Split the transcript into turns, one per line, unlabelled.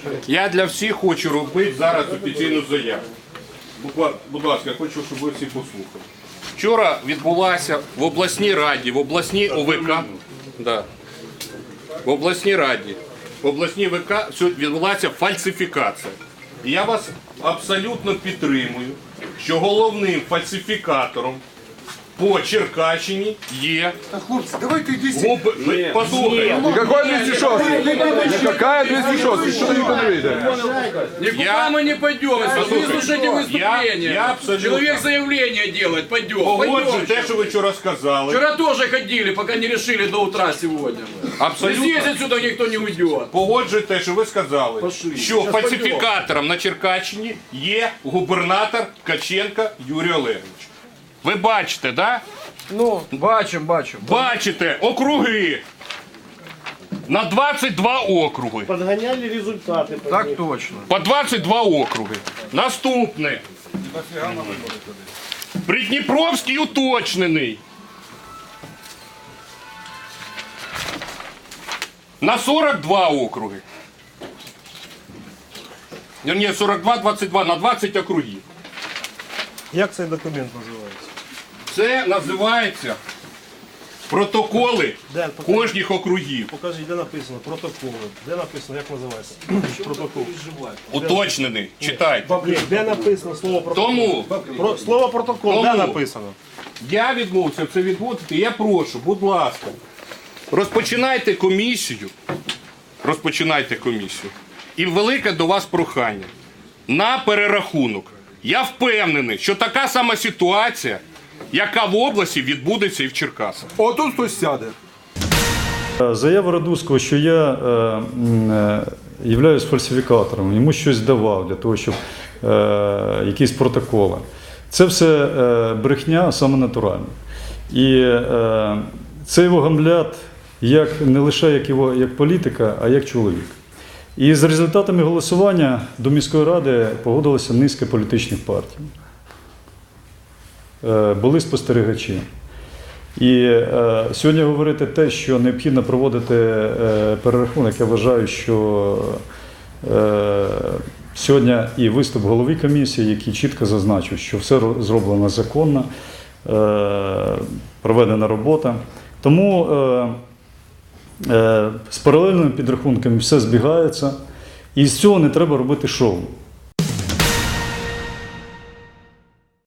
Я для всіх хочу робити зараз офіційну заяву. Будь ласка, я хочу, щоб ви всі послухали. Вчора відбулася в обласній раді, в обласній ОВК, в обласній раді, в обласній ВК відбулася фальсифікація. І я вас абсолютно підтримую, що головним фальсифікатором по Черкащині є...
Хлопці, давайте йдіть.
Послухайте.
Какой 206? Какая 206? Что ты никто не видит?
Никуда мы не пойдем, если вы слушаете выступление.
я абсолютно...
Человек заявление делает, пойдем.
Погоджу те, що ви вчора сказали.
Вчера тоже ходили, пока не решили до утра сегодня.
Абсолютно.
Здесь отсюда никто не уйдет.
Погоджу те, що ви сказали,
Пошли.
що
Щас
фальсифікатором на Черкащині є губернатор Ткаченко Юрій Олегович. Ви бачите, да?
Ну, бачим.
Бачите, округи. На 22 округи.
Подгоняли результаты.
Так точно.
По 22 округи. Наступне. Придніпровський уточнений. На 42 округи. Ні, 42, 22, на 20 округів.
Як цей документ називається?
Це називається протоколи
Де?
кожних округів.
Покажіть, де написано протоколи. Де написано, як називається? Протокол.
Уточнений. Читайте.
Ні, де написано слово протокол?
Тому
Слово протокол, де написано?
я відмовився це відводити. Я прошу, будь ласка, розпочинайте комісію. Розпочинайте комісію. І велике до вас прохання. На перерахунок. Я впевнений, що така сама ситуація, яка в області, відбудеться і в Черкасах.
Отут хтось сяде.
Заява Радуцького, що я являюсь фальсифікатором, йому щось давав для того, щоб якісь протоколи. Це все брехня саме натуральна. І це його гамлят не лише як політика, а як чоловік. І з результатами голосування до міської ради погодилася низка політичних партій. Були спостерігачі. І сьогодні говорити те, що необхідно проводити перерахунок, я вважаю, що сьогодні і виступ голови комісії, який чітко зазначив, що все зроблено законно, проведена робота. Тому з паралельними підрахунками все збігається, і з цього не треба робити шоу.